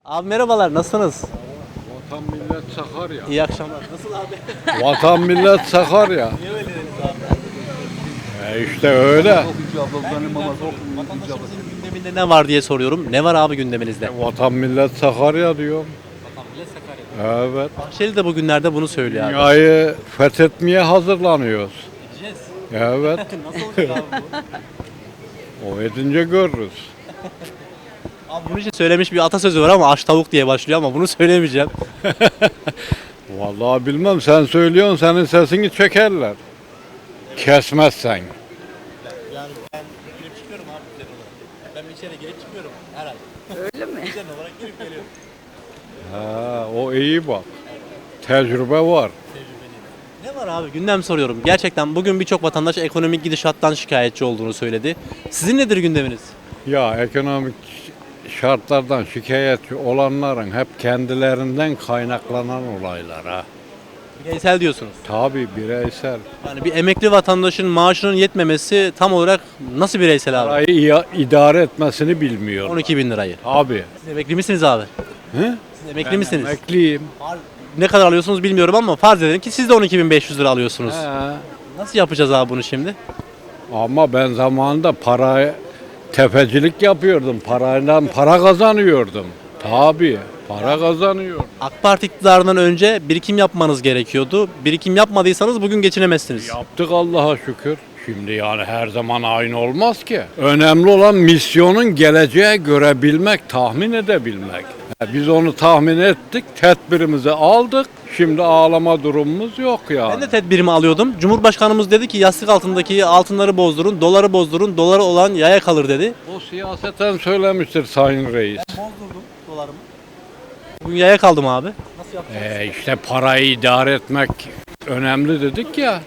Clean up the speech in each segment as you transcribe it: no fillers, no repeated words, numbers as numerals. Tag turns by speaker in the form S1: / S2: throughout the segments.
S1: Abi merhabalar, nasılsınız?
S2: Vatan millet Sakarya.
S1: İyi akşamlar. Nasıl abi?
S2: Vatan millet Sakarya.
S1: Niye öyle dediniz abi?
S2: İşte öyle.
S1: Vatandaşımızın gündeminde ne var diye soruyorum. Ne var abi gündeminizde?
S2: Vatan millet Sakarya diyor.
S1: Vatan millet Sakarya.
S2: Evet.
S1: Bahçeli de bugünlerde bunu söylüyor abi.
S2: Dünyayı fethetmeye hazırlanıyoruz.
S1: Gideceğiz.
S2: Evet.
S1: Nasıl olacak abi bu?
S2: O edince görürüz.
S1: Abi bunun için söylemiş bir atasözü var ama aç tavuk diye başlıyor ama bunu söylemeyeceğim.
S2: Vallahi bilmem, sen söylüyorsun, senin sesini çekerler. Kesmezsen.
S1: Yani ben girip çıkıyorum abi düzen olarak. Ben içeri girip çıkıyorum her ay.
S3: Öyle mi?
S1: Düzen olarak girip geliyorum.
S2: Ha, o iyi bak. Tecrübe var.
S1: Ne var abi gündem soruyorum. Gerçekten bugün birçok vatandaş ekonomik gidişattan şikayetçi olduğunu söyledi. Sizin nedir gündeminiz?
S2: Ya ekonomik şartlardan şikayetçi olanların hep kendilerinden kaynaklanan olaylar ha.
S1: Bireysel diyorsunuz.
S2: Tabii bireysel.
S1: Yani bir emekli vatandaşın maaşının yetmemesi tam olarak nasıl bireysel abi?
S2: Parayı idare etmesini bilmiyor.
S1: 12 bin lirayı.
S2: Abi.
S1: Siz emekli misiniz abi?
S2: He?
S1: Siz emekli misiniz?
S2: Emekliyim.
S1: Ne kadar alıyorsunuz bilmiyorum ama farz edelim ki siz de 12.500 lira alıyorsunuz.
S2: He.
S1: Nasıl yapacağız abi bunu şimdi?
S2: Ama ben zamanında tefecilik yapıyordum. Parayla para kazanıyordum. Tabii. Para kazanıyordum.
S1: AK Parti iktidarından önce birikim yapmanız gerekiyordu. Birikim yapmadıysanız bugün geçinemezsiniz.
S2: Yaptık Allah'a şükür. Şimdi yani her zaman aynı olmaz ki. Önemli olan misyonun geleceği görebilmek, tahmin edebilmek. Biz onu tahmin ettik, tedbirimizi aldık. Şimdi ağlama durumumuz yok yani.
S1: Ben de tedbirimi alıyordum. Cumhurbaşkanımız dedi ki yastık altındaki altınları bozdurun, doları bozdurun, doları olan yaya kalır dedi.
S2: O siyaseten söylemiştir Sayın Reis.
S1: Bozdurdum dolarımı. Bugün yaya kaldım abi. Nasıl yapacağız?
S2: İşte parayı idare etmek önemli dedik ya.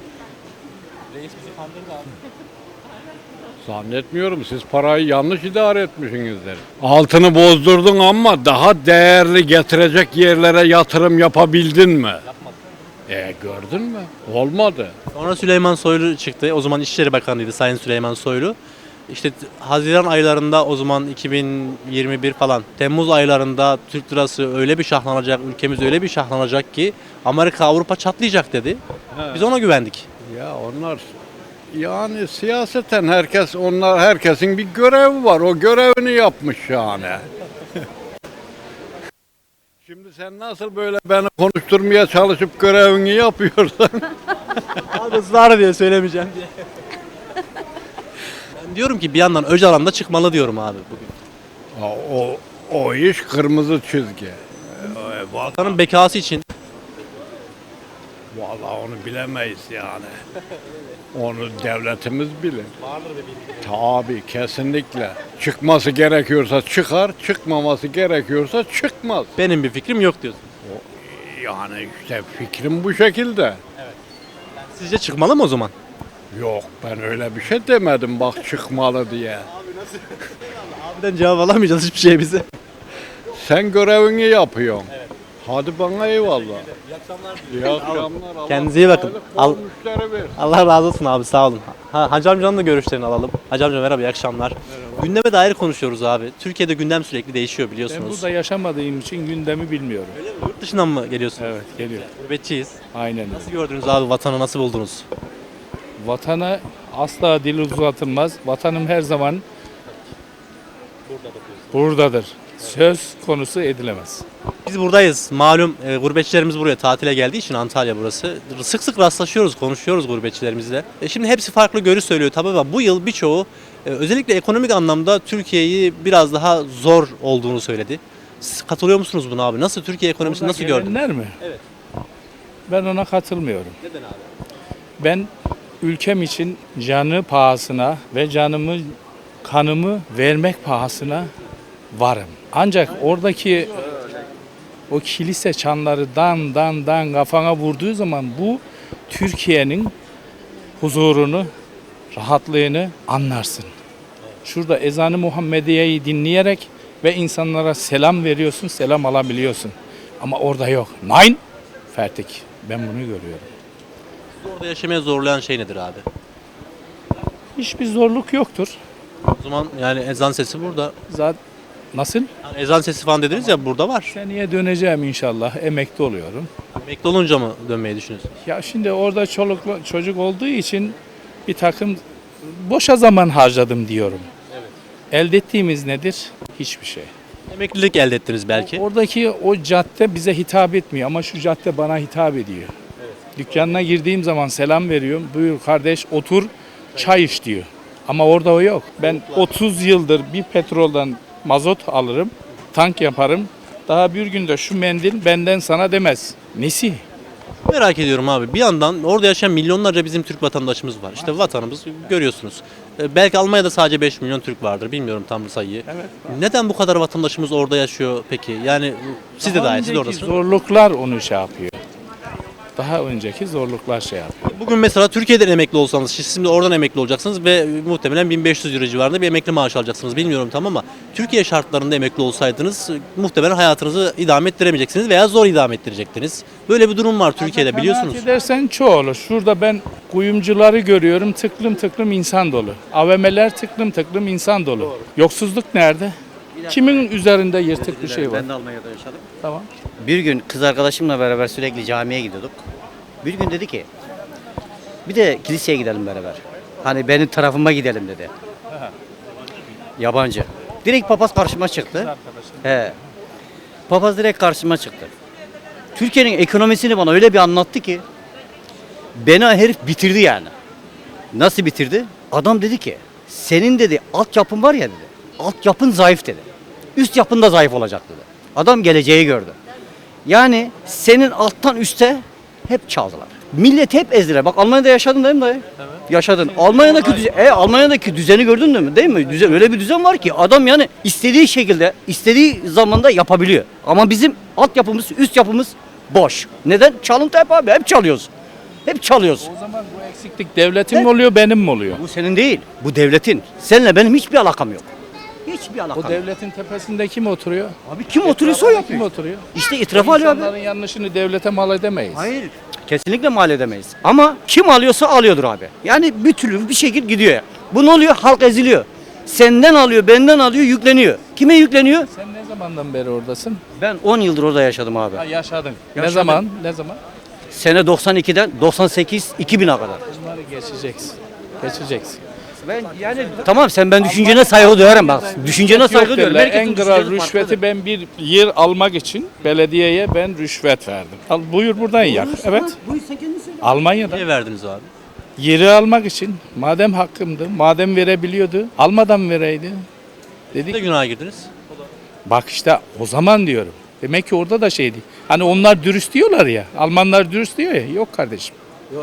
S1: Reis bizi kandırdı abi.
S2: Zannetmiyorum, siz parayı yanlış idare etmişsinizdir. Altını bozdurdun ama daha değerli getirecek yerlere yatırım yapabildin mi? Gördün mü? Olmadı.
S1: Sonra Süleyman Soylu çıktı. O zaman İçişleri Bakanıydı Sayın Süleyman Soylu. İşte Haziran aylarında o zaman 2021 falan Temmuz aylarında Türk lirası öyle bir şahlanacak, ülkemiz öyle bir şahlanacak ki Amerika Avrupa çatlayacak dedi. Biz ona güvendik.
S2: Ya onlar yani siyaseten herkesin bir görevi var. O görevini yapmış yani. Şimdi sen nasıl böyle beni konuşturmaya çalışıp görevini yapıyorsan
S1: Abi ısrar diye söylemeyeceğim diye. Ben diyorum ki bir yandan Öcalan da çıkmalı diyorum abi bugün.
S2: o iş kırmızı çizgi.
S1: Vatanın bekası için.
S2: Vallahi onu bilemeyiz yani. Onu devletimiz bilir.
S1: Vardır bir bilgi.
S2: Tabii kesinlikle. Çıkması gerekiyorsa çıkar, çıkmaması gerekiyorsa çıkmaz.
S1: Benim bir fikrim yok diyorsun.
S2: Yani işte fikrim bu şekilde.
S1: Sizce çıkmalı mı o zaman?
S2: Yok, ben öyle bir şey demedim bak çıkmalı diye.
S1: Abiden cevap alamayacağız hiçbir şey bize.
S2: Sen görevini yapıyorsun. Hadi bana eyvallah.
S1: İyi akşamlar.
S2: İyi akşamlar. Allah
S1: Kendinize iyi bakın.
S2: kolaylık,
S1: Al-
S2: bol müşteri versin.
S1: Allah razı olsun abi sağ olun. Hacı amcanın da görüşlerini alalım. Hacı amca merhaba iyi akşamlar. Gündeme dair konuşuyoruz abi. Türkiye'de gündem sürekli değişiyor
S4: Ben
S1: biliyorsunuz.
S4: burada yaşamadığım için gündemi bilmiyorum.
S1: Öyle mi? Yurt dışından mı geliyorsunuz?
S4: Evet, geliyor.
S1: Gurbetçiyiz.
S4: Aynen öyle.
S1: Nasıl gördünüz abi vatanı nasıl buldunuz?
S4: Vatana asla dil uzatılmaz. Vatanım her zaman buradadır. Söz konusu edilemez.
S1: Biz buradayız. Malum gurbetçilerimiz buraya tatile geldiği için Antalya burası. Sık sık rastlaşıyoruz, konuşuyoruz gurbetçilerimizle. Şimdi hepsi farklı görüş söylüyor tabii ama bu yıl birçoğu özellikle ekonomik anlamda Türkiye'yi biraz daha zor olduğunu söyledi. Siz katılıyor musunuz buna abi? Nasıl Türkiye ekonomisini
S4: Burada
S1: nasıl gördünüz?
S4: gelenler mi?
S1: Evet.
S4: Ben ona katılmıyorum.
S1: Neden abi?
S4: Ben ülkem için canı pahasına ve kanımı vermek pahasına varım. Ancak oradaki o kilise çanları dan kafana vurduğu zaman bu Türkiye'nin huzurunu, rahatlığını anlarsın. Şurada ezanı Muhammediye'yi dinleyerek ve insanlara selam veriyorsun, selam alabiliyorsun. Ama orada yok. Nein, fertig. Ben bunu görüyorum.
S1: Sizi orada yaşamaya zorlayan şey nedir abi?
S4: Hiçbir zorluk yoktur.
S1: O zaman yani ezan sesi burada.
S4: Zaten Nasıl?
S1: Yani ezan sesi falan dediniz ya, burada var.
S4: Seneye döneceğim inşallah. Emekli oluyorum.
S1: Emekli olunca mı dönmeyi düşünüyorsunuz?
S4: Ya şimdi orada çocuk olduğu için bir takım boşa zaman harcadım diyorum. Elde ettiğimiz nedir? Hiçbir şey.
S1: Emeklilik elde ettiniz belki.
S4: Oradaki o cadde bize hitap etmiyor ama şu cadde bana hitap ediyor. Dükkanına girdiğim zaman selam veriyorum. Buyur kardeş otur çay iç diyor. Ama orada o yok. Ben 30 yıldır bir petrolden mazot alırım, tank yaparım. Daha bir günde şu mendil benden sana demez. Nesi?
S1: Merak ediyorum abi. Bir yandan orada yaşayan milyonlarca bizim Türk vatandaşımız var. İşte vatanımız görüyorsunuz. Belki Almanya'da sadece 5 milyon Türk vardır. Bilmiyorum tam sayıyı.
S4: Evet.
S1: Neden bu kadar vatandaşımız orada yaşıyor peki? Yani siz de
S4: Daha
S1: dahil, siz de
S4: önceki
S1: oradasınız.
S4: zorluklar onu şey yapıyor. Daha önceki zorluklar şey yapıyor.
S1: Bugün mesela Türkiye'den emekli olsanız, siz şimdi oradan emekli olacaksınız ve muhtemelen 1500 euro civarında bir emekli maaş alacaksınız. Bilmiyorum tam ama Türkiye şartlarında emekli olsaydınız muhtemelen hayatınızı idame ettiremeyeceksiniz veya zor idame ettirecektiniz. Böyle bir durum var Türkiye'de, biliyorsunuz.
S4: Kanaat edersen çoğu olur. Şurada ben kuyumcuları görüyorum, tıklım tıklım insan dolu. AVM'ler tıklım tıklım insan dolu. Yoksulluk nerede? Kimin üzerinde yırtık bir şey var?
S3: Ben de Almanya'da yaşadım.
S4: Tamam.
S3: Bir gün kız arkadaşımla beraber sürekli camiye gidiyorduk. Bir gün dedi ki bir de kiliseye gidelim beraber. Hani benim tarafıma gidelim dedi. Yabancı. Direkt papaz karşıma çıktı. He. Papaz direkt karşıma çıktı. Türkiye'nin ekonomisini bana öyle bir anlattı ki beni herif bitirdi yani. Nasıl bitirdi? Adam dedi ki senin dedi altyapın var ya dedi. Altyapın zayıf dedi. Üst yapın da zayıf olacak dedi. Adam geleceği gördü. Yani senin alttan üste hep çaldılar. Millet hep ezdiler. Bak Almanya'da yaşadın değil mi dayı? Evet. Yaşadın. Almanya'daki düzeni gördün mü? Değil mi? Düzen, öyle bir düzen var ki adam yani istediği şekilde, istediği zamanda yapabiliyor. Ama bizim altyapımız, üst yapımız boş. Neden? Çalıntı hep abi. Hep çalıyoruz. Hep çalıyoruz.
S4: O zaman bu eksiklik devletin mi oluyor, benim mi oluyor?
S3: Bu senin değil. Bu devletin. Seninle benim hiçbir alakam yok. Hiçbir alakam
S4: O
S3: yok.
S4: devletin tepesinde kim oturuyor?
S3: Abi kim oturuyorsa o
S4: Kim
S3: yapıyor.
S4: oturuyor?
S3: İşte itiraf alıyor abi.
S4: İnsanların yanlışını devlete mal edemeyiz.
S3: Hayır. Kesinlikle mal edemeyiz. Ama kim alıyorsa alıyordur abi. Yani bir türlü bir şekil gidiyor. Bu ne oluyor? Halk eziliyor. Senden alıyor, benden alıyor, yükleniyor. Kime yükleniyor?
S4: Sen ne zamandan beri oradasın?
S3: Ben 10 yıldır orada yaşadım abi.
S4: Ha, yaşadın. Ne
S3: Yaşadım.
S4: zaman? Ne zaman?
S3: Sene 92'den 98 2000'e kadar.
S4: Bunları geçeceksin. Geçeceksin.
S3: Ben yani tamam sen ben düşüncene saygı duyarım bak. Düşüncene saygı duyarım.
S4: Derler,
S3: Herkesin
S4: en kral
S3: düşüncesi
S4: rüşveti
S3: farklıdır.
S4: ben bir yer almak için belediyeye ben rüşvet verdim. Al buyur buradan yak. Evet.
S3: Buyur sen kendin söyle.
S4: Almanya'da
S1: Niye verdiniz abi?
S4: yeri almak için madem hakkımdı, madem verebiliyordu, almadan vereydi.
S1: Ne
S4: Dedik
S1: günaha girdiniz?
S4: bak işte o zaman diyorum. Demek ki orada da şeydi. Hani onlar dürüst diyorlar ya. Almanlar dürüst diyor ya. Yok kardeşim.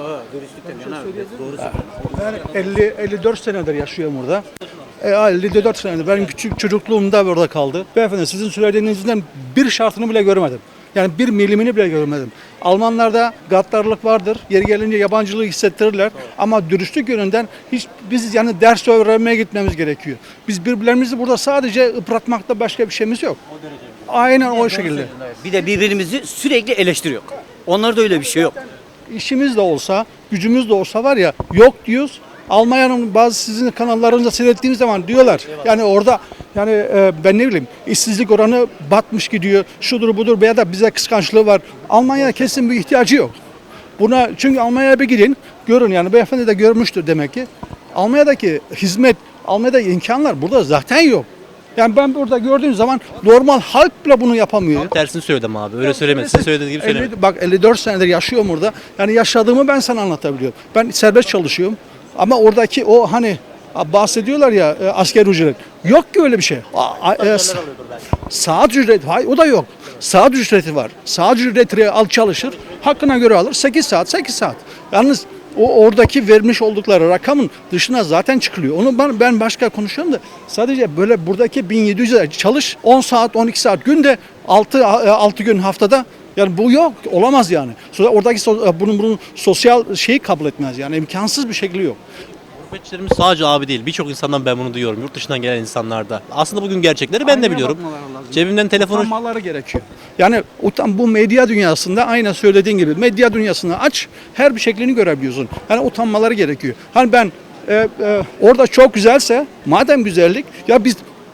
S5: Ben 54 senedir yaşıyorum burada. 54 senedir. Benim küçük çocukluğumda burada kaldı. Beyefendi sizin söylediğinizden bir şartını bile görmedim. Yani bir milimini bile görmedim. Almanlarda gaddarlık vardır. Yeri gelince yabancılığı hissettirirler. Ama dürüstlük yönünden biz yani ders öğrenmeye gitmemiz gerekiyor. Biz birbirlerimizi burada sadece yıpratmakta başka bir şeyimiz yok. Aynen o şekilde.
S3: Bir de birbirimizi sürekli eleştiriyor. Onlarda öyle bir şey yok.
S5: İşimiz de olsa, gücümüz de olsa var ya yok diyoruz. Almanya'nın bazı sizin kanallarınızda seyrettiğimiz zaman diyorlar. Yani orada yani ben ne bileyim işsizlik oranı batmış gidiyor. Şudur budur veya da bize kıskançlığı var. Almanya kesin bir ihtiyacı yok. Buna çünkü Almanya'ya bir gidin görün yani beyefendi de görmüştür demek ki. Almanya'daki hizmet, Almanya'daki imkanlar burada zaten yok. Yani ben burada gördüğüm zaman normal halk bile bunu yapamıyor.
S1: Tersini söyledim abi. Öyle söylemedim. Siz söylediğiniz gibi söylemedim.
S5: Bak 54 senedir yaşıyorum burada. Yani yaşadığımı ben sana anlatabiliyorum. Ben serbest çalışıyorum. Ama oradaki o hani bahsediyorlar ya asgari ücret. Yok ki öyle bir şey. Saat ücreti, hayır o da yok. Saat ücreti var. Saat ücreti al çalışır. Hakkına göre alır. 8 saat, 8 saat. Yalnız o oradaki vermiş oldukları rakamın dışına zaten çıkılıyor. Onu ben başka konuşuyorum da sadece böyle buradaki 1700 çalış 10 saat 12 saat günde 6 gün haftada yani bu yok olamaz yani. Sonra oradaki bunun sosyal şeyi kabul etmez yani imkansız bir şekli yok.
S1: Gurbetçilerimiz sadece abi değil. Birçok insandan ben bunu duyuyorum. Yurt dışından gelen insanlarda. Aslında bugün gerçekleri ben de biliyorum. Cebimden telefonu...
S5: Utanmaları gerekiyor. Yani bu medya dünyasında aynen söylediğin gibi medya dünyasını aç her bir şeklini görebiliyorsun. Yani utanmaları gerekiyor. Hani ben orada çok güzelse madem güzellik ya biz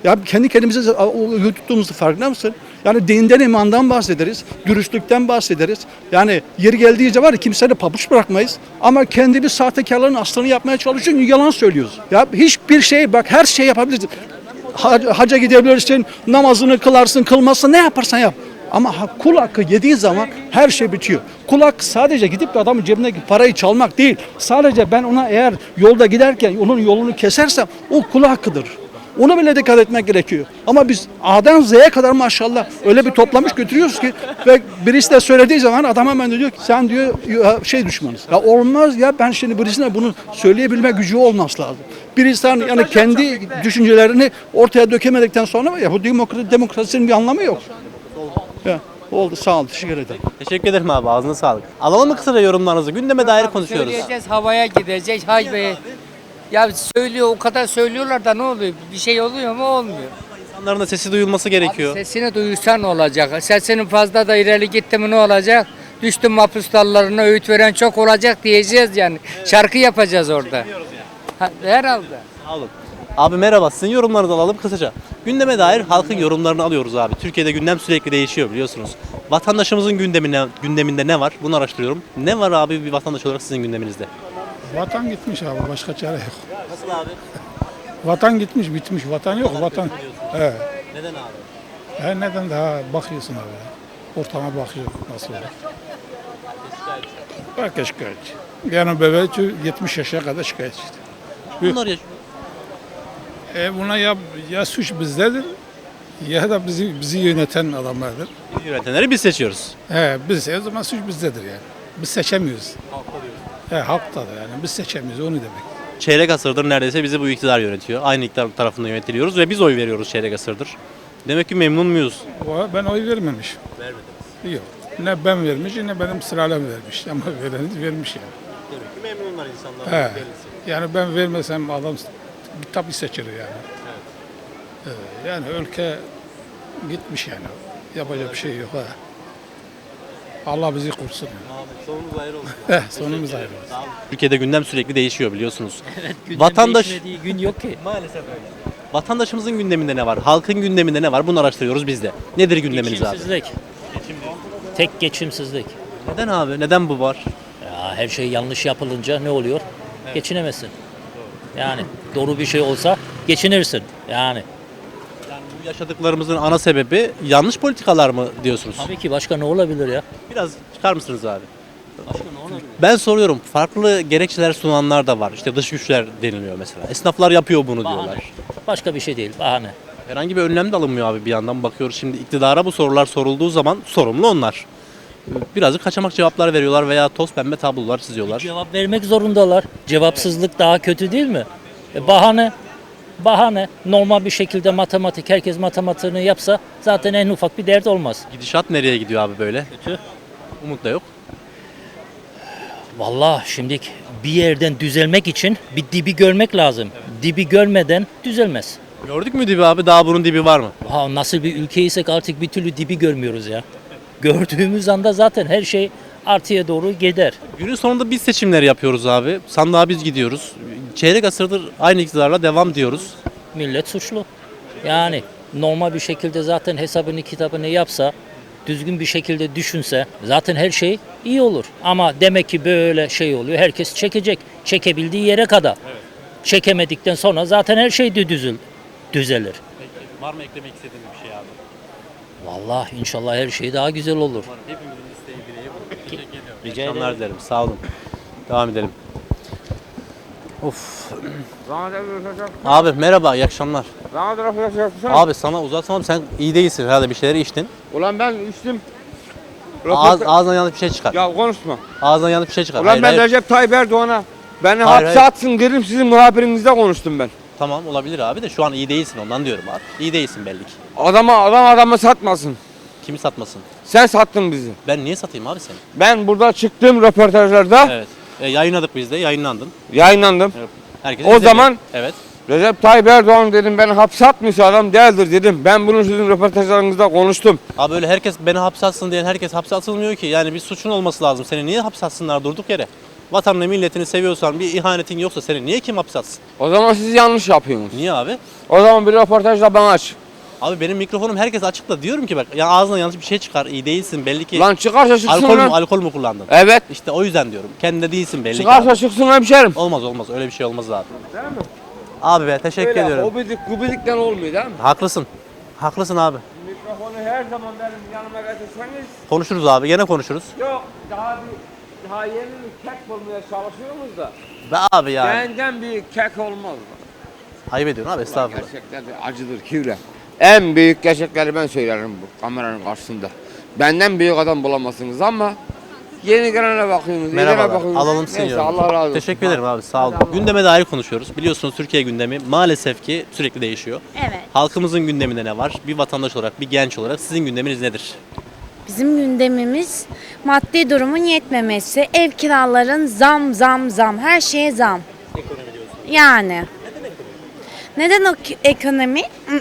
S5: Ya kendi kendimize tuttuğumuzun farkında mısın? Yani dinden, imandan bahsederiz, dürüstlükten bahsederiz. Yani yeri geldiği zaman kimseye pabuç bırakmayız. Ama kendi bir sahtekarlığın aslını yapmaya çalışıyoruz, yalan söylüyoruz. Ya hiçbir şey, bak her şey yapabilirsin. Hacca gidebilirsin, namazını kılarsın, kılmazsın, ne yaparsan yap. Ama kul hakkı yediği zaman her şey bitiyor. Kul hakkı sadece gidip de adamın cebindeki parayı çalmak değil. Sadece ben ona eğer yolda giderken onun yolunu kesersem o kul hakkıdır. Ona bile dikkat etmek gerekiyor. Ama biz A'dan Z'ye kadar maşallah öyle bir toplamış götürüyoruz ki ve birisi de söylediği zaman adam hemen diyor ki sen diyor şey düşmanız. Ya olmaz ya, ben şimdi birisine bunu söyleyebilme gücü olması lazım. Bir insan yani kendi düşüncelerini ortaya dökemedikten sonra ya bu demokrasinin bir anlamı yok. Ya, oldu, sağ ol, teşekkür ederim.
S1: Teşekkür ederim abi, ağzına sağlık. Alalım mı kısaca yorumlarınızı? Gündeme dair konuşuyoruz.
S6: Söyleyeceğiz, havaya gideceğiz. Hay be. Ya söylüyor, o kadar söylüyorlar da ne oluyor? Bir şey oluyor mu? Olmuyor.
S1: İnsanların da sesi duyulması gerekiyor.
S6: Sesini duyursan ne olacak? Sesinin fazla da ileri gitti mi ne olacak? Düştüm mahpus dallarına, öğüt veren çok olacak diyeceğiz yani. Şarkı yapacağız orada. Herhalde.
S1: Sağ olun. Abi merhaba, sizin yorumlarınızı alalım kısaca. Gündeme dair halkın yorumlarını alıyoruz abi. Türkiye'de gündem sürekli değişiyor biliyorsunuz. Vatandaşımızın gündeminde ne var? Bunu araştırıyorum. Ne var abi bir vatandaş olarak sizin gündeminizde?
S7: Vatan gitmiş abi, başka çare yok.
S1: Nasıl abi?
S7: Vatan gitmiş, bitmiş. Vatan yok, vatan. Evet.
S1: Neden abi?
S7: Neden daha bakıyorsun abi. Ortama bakıyor nasıl olur. Herkes şikayetçi. Yani bebek 70 yaşa kadar şikayetçi.
S1: Bunlar yaşıyor.
S7: Buna ya suç bizdedir ya da bizi yöneten adamlardır.
S1: Biz yönetenleri biz seçiyoruz.
S7: Biz o zaman suç bizdedir yani. Biz seçemiyoruz. Halktadır yani. Biz seçemiyoruz, onu demek.
S1: Çeyrek asırdır neredeyse bizi bu iktidar yönetiyor. Aynı iktidar tarafından yönetiliyoruz ve biz oy veriyoruz çeyrek asırdır. Demek ki memnun muyuz?
S7: Ben oy vermemiş.
S1: Vermediniz.
S7: Yok. Ne ben vermiş ne benim sıralım vermiş. Ama vereniz vermiş yani.
S1: Demek ki memnunlar insanlar.
S7: Yani ben vermesem adam tabii seçilir yani. Yani ülke gitmiş yani. Yapacak bir şey yok. Allah bizi korusun.
S1: Sonumuz ayrı olsun.
S7: Sonumuz ayrı olsun.
S1: Türkiye'de gündem sürekli değişiyor biliyorsunuz.
S8: Gündem
S1: Vatandaş
S8: değişmediği gün yok ki.
S1: maalesef öyle. Vatandaşımızın gündeminde ne var? Halkın gündeminde ne var? Bunu araştırıyoruz biz de. Nedir gündeminiz abi?
S8: Geçimsizlik. Tek geçimsizlik.
S1: Neden abi? Neden bu var?
S8: Ya her şey yanlış yapılınca ne oluyor? Geçinemezsin. Yani doğru bir şey olsa geçinirsin. Yani
S1: Bu yaşadıklarımızın ana sebebi yanlış politikalar mı diyorsunuz?
S8: tabii ki başka ne olabilir ya?
S1: Biraz çıkar mısınız abi?
S8: Başka ne olabilir?
S1: Ben soruyorum. Farklı gerekçeler sunanlar da var. İşte dış güçler deniliyor mesela. Esnaflar yapıyor bunu
S8: Bahane.
S1: diyorlar.
S8: Başka bir şey değil. Bahane.
S1: Herhangi bir önlem de alınmıyor abi bir yandan. Bakıyoruz şimdi iktidara bu sorular sorulduğu zaman sorumlu onlar. Birazcık kaçamak cevaplar veriyorlar veya toz pembe tablolar çiziyorlar.
S8: Cevap vermek zorundalar. Cevapsızlık daha kötü değil mi? Bahane. Bahane. Normal bir şekilde matematik, herkes matematiğini yapsa zaten en ufak bir dert olmaz.
S1: Gidişat nereye gidiyor abi böyle?
S8: Kötü.
S1: Umut da yok.
S8: Vallahi şimdi bir yerden düzelmek için bir dibi görmek lazım. Dibi görmeden düzelmez.
S1: Gördük mü dibi abi? Daha bunun dibi var mı?
S8: Nasıl bir ülkeysek artık bir türlü dibi görmüyoruz ya. Gördüğümüz anda zaten her şey artıya doğru gider.
S1: Günün sonunda biz seçimleri yapıyoruz abi. Sandığa biz gidiyoruz. Çeyrek asırdır aynı iktidarla devam diyoruz.
S8: Millet suçlu. Yani normal bir şekilde zaten hesabını kitabını yapsa, düzgün bir şekilde düşünse zaten her şey iyi olur. Ama demek ki böyle şey oluyor. Herkes çekecek. Çekebildiği yere kadar. Çekemedikten sonra zaten her şey de düzelir.
S1: Var mı eklemek istediğiniz bir şey abi?
S8: Vallahi inşallah her şey daha güzel olur.
S1: Hepimizin isteği dileği bu. Teşekkür ediyorum.
S8: Rica
S1: İyi akşamlar
S8: ederim.
S1: dilerim. Sağ olun. Devam edelim. Of. Abi merhaba, iyi akşamlar. Abi sana uzatsam sen iyi değilsin herhalde, bir şeyleri içtin.
S9: Ulan ben içtim.
S1: Ağzından yanlış bir şey çıkar.
S9: Ya konuşma.
S1: Ağzından yanlış bir şey çıkar.
S9: Ulan
S1: Hayır,
S9: ben
S1: hayır.
S9: Recep Tayyip Erdoğan'a beni
S1: Hayır,
S9: hapse
S1: hayır.
S9: atsın dedim, sizin muhabirinizle konuştum ben.
S1: Tamam olabilir abi de şu an iyi değilsin, ondan diyorum abi. İyi değilsin belli ki.
S9: Adamı satmasın.
S1: Kimi satmasın?
S9: Sen sattın bizi.
S1: Ben niye satayım abi seni?
S9: Ben burada çıktığım röportajlarda
S1: Evet. Yayınladık biz de, yayınlandın.
S9: yayınlandım.
S1: Herkes
S9: O
S1: izledi.
S9: zaman-
S1: Evet.
S9: Recep Tayyip Erdoğan dedim, beni hapse atmıyorsa adam değildir dedim. Ben bunu sizin röportajlarınızda konuştum.
S1: Abi öyle herkes beni hapse atsın diyen herkes hapse atılmıyor ki. Yani bir suçun olması lazım. Seni niye hapse atsınlar durduk yere? Vatanını milletini seviyorsan, bir ihanetin yoksa seni niye kim hapse atsın?
S9: O zaman siz yanlış yapıyorsunuz.
S1: Niye abi?
S9: O zaman bir röportajla bana aç.
S1: Abi benim mikrofonum herkes açık da diyorum ki bak ya ağzından yanlış bir şey çıkar. İyi değilsin belli ki.
S9: Lan çıkarsa çıksın
S1: alkol
S9: lan.
S1: mü alkol mü kullandın?
S9: Evet.
S1: İşte o yüzden diyorum. Kendinde değilsin belli ki.
S9: Çıkarsa
S1: abi.
S9: çıksın hemşerim.
S1: Olmaz olmaz öyle bir şey olmaz abi. Abi be teşekkür ediyorum.
S9: Hobidik gubidikten olmuyor değil mi?
S1: Haklısın. Haklısın abi.
S9: Mikrofonu her zaman benim yanıma getirseniz.
S1: Konuşuruz abi gene konuşuruz.
S9: Yok daha yeni bir kek bulmaya çalışıyoruz da.
S1: Be abi ya.
S9: Benden büyük kek olmaz.
S1: Ayıp ediyorsun abi estağfurullah.
S9: Gerçekler de acıdır kivre. En büyük gerçekleri ben söylerim bu kameranın karşısında. Benden büyük adam bulamazsınız ama yeni gelene bakıyorsunuz.
S1: Merhabalar.
S9: bakıyorsunuz.
S1: Alalım seni.
S9: Neyse Allah razı olsun.
S1: Teşekkür ederim abi sağ olun. Gündeme dair konuşuyoruz. Biliyorsunuz Türkiye gündemi maalesef ki sürekli değişiyor.
S10: Evet.
S1: Halkımızın gündeminde ne var? Bir vatandaş olarak, bir genç olarak sizin gündeminiz nedir?
S10: Bizim gündemimiz maddi durumun yetmemesi, ev kiraların zam, her şeye zam. Yani. Neden o ekonomi?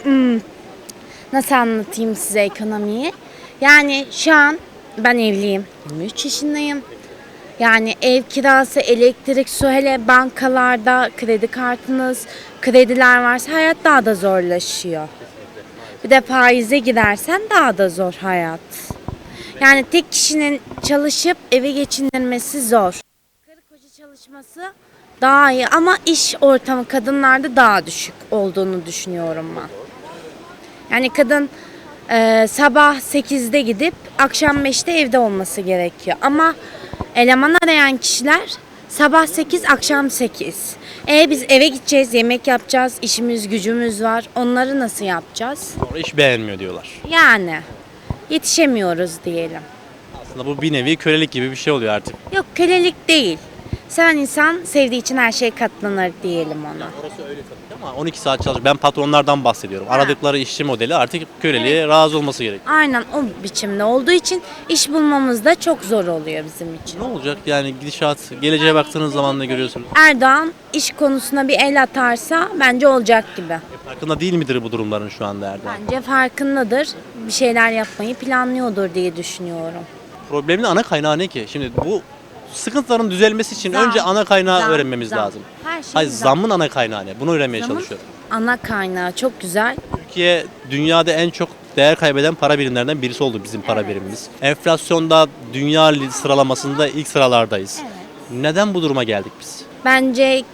S10: Nasıl anlatayım size ekonomiyi? Yani şu an ben evliyim. 23 yaşındayım. Yani ev kirası, elektrik, su, hele bankalarda kredi kartınız, krediler varsa hayat daha da zorlaşıyor. Bir de faize gidersen daha da zor hayat. Yani tek kişinin çalışıp evi geçindirmesi zor. Karı koca çalışması daha iyi ama iş ortamı kadınlarda daha düşük olduğunu düşünüyorum ben. Yani kadın sabah 8'de gidip akşam 5'te evde olması gerekiyor. Ama eleman arayan kişiler sabah 8 akşam 8. Biz eve gideceğiz, yemek yapacağız, işimiz gücümüz var. Onları nasıl yapacağız?
S1: Sonra iş beğenmiyor diyorlar.
S10: Yani yetişemiyoruz diyelim.
S1: Aslında bu bir nevi kölelik gibi bir şey oluyor artık.
S10: Yok kölelik değil. Seven insan sevdiği için her şeye katlanır diyelim ona.
S1: Orası öyle tabii ama 12 saat çalışıyor. Ben patronlardan bahsediyorum. Aradıkları işçi modeli artık köleliğe razı olması gerekiyor.
S10: Aynen o biçimde olduğu için iş bulmamız da çok zor oluyor bizim için.
S1: Ne olacak yani gidişat, geleceğe baktığınız zaman ne görüyorsunuz?
S10: Erdoğan iş konusuna bir el atarsa bence olacak gibi.
S1: Farkında değil midir bu durumların şu anda Erdoğan?
S10: Bence farkındadır. Bir şeyler yapmayı planlıyordur diye düşünüyorum.
S1: Problemin ana kaynağı ne ki? Şimdi bu sıkıntıların düzelmesi için
S10: Zam,
S1: önce ana kaynağı
S10: zam,
S1: öğrenmemiz
S10: zam.
S1: lazım.
S10: Her şey
S1: Hayır
S10: zam.
S1: zammın ana kaynağı ne? Bunu öğrenmeye
S10: Zamın
S1: çalışıyorum.
S10: ana kaynağı çok güzel.
S1: Türkiye dünyada en çok değer kaybeden para birimlerinden birisi oldu bizim para birimimiz. Enflasyonda dünya sıralamasında ilk sıralardayız. Neden bu duruma geldik biz?
S10: Bence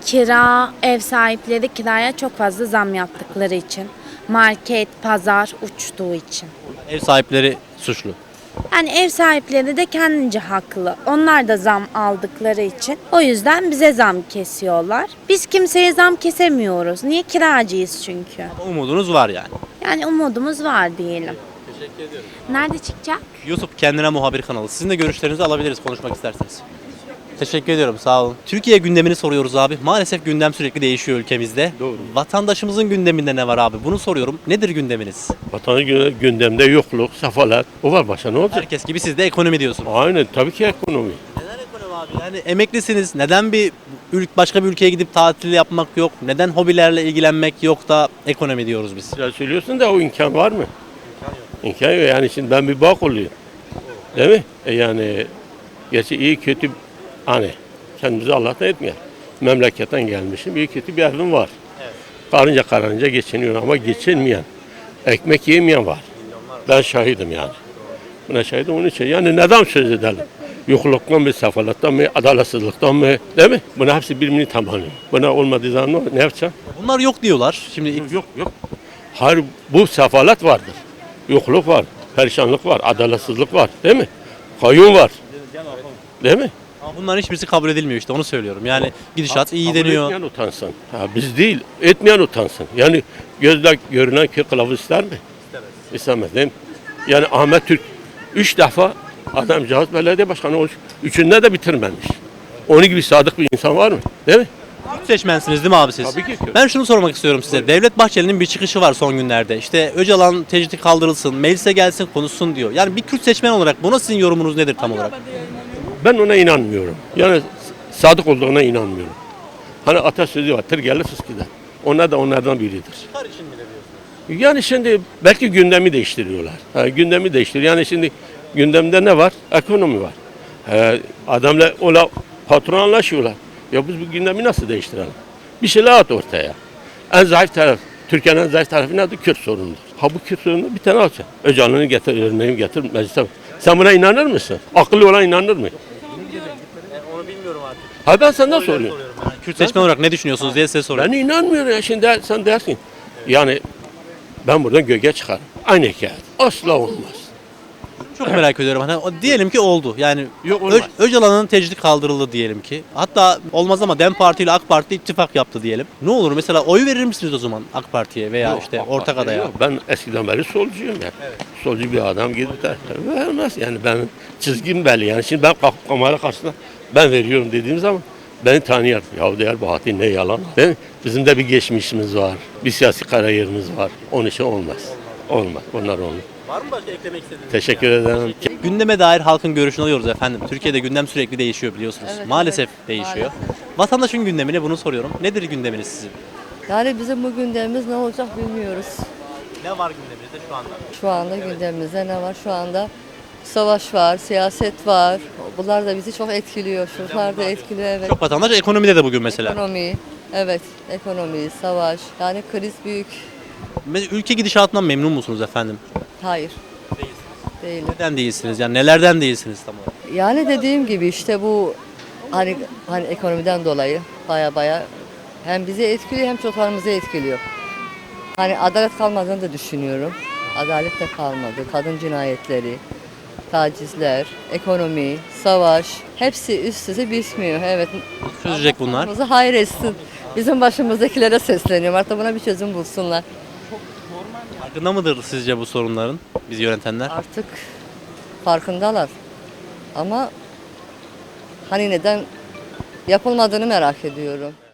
S10: ev sahipleri kiraya çok fazla zam yaptıkları için. Market, pazar uçtuğu için.
S1: Ev sahipleri suçlu.
S10: Yani ev sahipleri de kendince haklı. Onlar da zam aldıkları için. O yüzden bize zam kesiyorlar. Biz kimseye zam kesemiyoruz. Niye? Kiracıyız çünkü.
S1: Umudunuz var yani.
S10: Yani umudumuz var diyelim.
S1: Teşekkür ediyorum.
S10: Nerede çıkacak?
S1: YouTube kendine muhabir kanalı. Sizin de görüşlerinizi alabiliriz konuşmak isterseniz. Teşekkür ediyorum sağ olun. Türkiye gündemini soruyoruz abi. Maalesef gündem sürekli değişiyor ülkemizde.
S11: Doğru.
S1: Vatandaşımızın gündeminde ne var abi? Bunu soruyorum. Nedir gündeminiz?
S11: Vatanı gündemde yokluk, sefalet. O var başka ne olacak?
S1: Herkes gibi siz de ekonomi diyorsunuz.
S11: Aynen tabii ki ekonomi.
S1: Neden ekonomi abi? Yani emeklisiniz. Neden başka bir ülkeye gidip tatil yapmak yok? Neden hobilerle ilgilenmek yok da ekonomi diyoruz biz?
S11: Sen söylüyorsun da o imkan var mı? İmkan yok. Yani şimdi ben bir bak oluyor. Değil mi? Yani gerçi iyi kötü hani kendimizi Allah'tan etmeyen. Memleketten gelmişim. İyi kötü bir evim var. Karınca geçiniyor ama geçinmeyen, ekmek yemeyen var. Ben şahidim yani. Buna şahidim onun için. Yani neden söz edelim? Yokluktan mı, sefalettan mı, adaletsizlikten mı? Değil mi? Buna hepsi birbirini tamamlıyor. Buna olmadığı zaman ne yapacaksın?
S1: Bunlar yok diyorlar. Şimdi
S11: Yok. Hayır bu sefalet vardır. Yokluk var, perişanlık var, adaletsizlik var. Değil mi? Kayyum var. Değil mi?
S1: ama bunların hiçbirisi kabul edilmiyor işte onu söylüyorum. Yani gidişat iyi
S11: Kabul
S1: deniyor.
S11: etmeyen utansın. Biz değil, etmeyen utansın. Yani gözle görünen köy kılavuz ister mi? İstemez değil mi? Yani Ahmet Türk 3 defa adamcağız belediye başkanı olmuş. Üçünde de bitirmemiş. Onun gibi sadık bir insan var mı? Değil mi?
S1: Kürt seçmensiniz değil mi abi siz?
S11: Tabii ki Kürt.
S1: Ben şunu sormak istiyorum size. Devlet Bahçeli'nin bir çıkışı var son günlerde. İşte Öcalan tecridi kaldırılsın, meclise gelsin konuşsun diyor. Yani bir Kürt seçmen olarak buna sizin yorumunuz nedir tam olarak?
S11: Ben ona inanmıyorum. Yani sadık olduğuna inanmıyorum. Hani atasözü var, tır gelir fıs gider. Onlar da onlardan biridir. Yani şimdi belki gündemi değiştiriyorlar. Gündemi değiştiriyor. Yani şimdi gündemde ne var? Ekonomi var. Adamla ola Patron anlaşıyorlar. Ya biz bu gündemi nasıl değiştirelim? Bir şeyler at ortaya. En zayıf taraf, Türkiye'nin en zayıf tarafı nedir? Kürt sorunudur. Ha bu Kürt sorununu bir tane alacaksın. Öcalan'ı getir, örneği getir meclise. Sen buna inanır mısın? Akıllı olan inanır mı?
S1: Onu bilmiyorum artık.
S11: Ha ben senden soruyorum.
S1: Kürt seçmen olarak ne düşünüyorsunuz diye size soruyorum.
S11: Ben inanmıyorum ya. Şimdi sen dersin. Yani ben buradan göğe çıkarım. Aynı hikaye. Asla olmaz.
S1: Çok merak ediyorum. Hani diyelim ki oldu. Yani
S11: Yok, olmaz.
S1: Öcalan'ın tecridi kaldırıldı diyelim ki. Hatta olmaz ama DEM Parti ile AK Parti ittifak yaptı diyelim. Ne olur mesela oy verir misiniz o zaman AK Parti'ye veya
S11: Yok,
S1: işte
S11: AK
S1: ortak
S11: Parti
S1: adaya?
S11: yok. Ben eskiden beri solcuyum ya. Solcu bir adam gidip de vermez. Yani ben çizgim belli. Yani şimdi ben kalkıp kamera karşısında ben veriyorum dediğim zaman beni tanıyor. Ya değer Bahattin ne yalan. Değil mi? Bizim de bir geçmişimiz var. Bir siyasi kariyerimiz var. Onun için olmaz. Olmaz. Onlar olmaz.
S1: Var mı başka eklemek istediğiniz?
S11: Teşekkür ederim.
S1: Gündeme dair halkın görüşünü alıyoruz efendim. Türkiye'de gündem sürekli değişiyor biliyorsunuz.
S12: Evet,
S1: Maalesef
S12: evet,
S1: değişiyor. Vatandaşın gündemini bunu soruyorum. Nedir gündeminiz sizin?
S12: Yani bizim bu gündemimiz ne olacak bilmiyoruz.
S1: Ne var gündeminizde şu anda?
S12: Şu anda gündemimizde ne var? Şu anda savaş var, siyaset var. Bunlar da bizi çok etkiliyor. Şunlar da etkiliyor, evet.
S1: Çok vatandaş ekonomide de bugün mesela.
S12: Ekonomi, evet. Ekonomi, savaş. Yani kriz büyük.
S1: Ülke gidişatından memnun musunuz efendim?
S12: Hayır. Değilim.
S1: Neden değilsiniz? Yani nelerden değilsiniz tam olarak?
S12: Yani dediğim gibi işte bu hani ekonomiden dolayı baya hem bizi etkiliyor hem çocuklarımızı etkiliyor. Hani adalet kalmadığını da düşünüyorum. Adalet de kalmadı. Kadın cinayetleri, tacizler, ekonomi, savaş hepsi üst üste bitmiyor. Evet.
S1: Çözecek bunlar.
S12: Başımızı hayır etsin. Bizim başımızdakilere sesleniyorum. Artık buna bir çözüm bulsunlar.
S1: Farkında mıdır sizce bu sorunların bizi yönetenler?
S12: Artık farkındalar. Ama hani neden yapılmadığını merak ediyorum.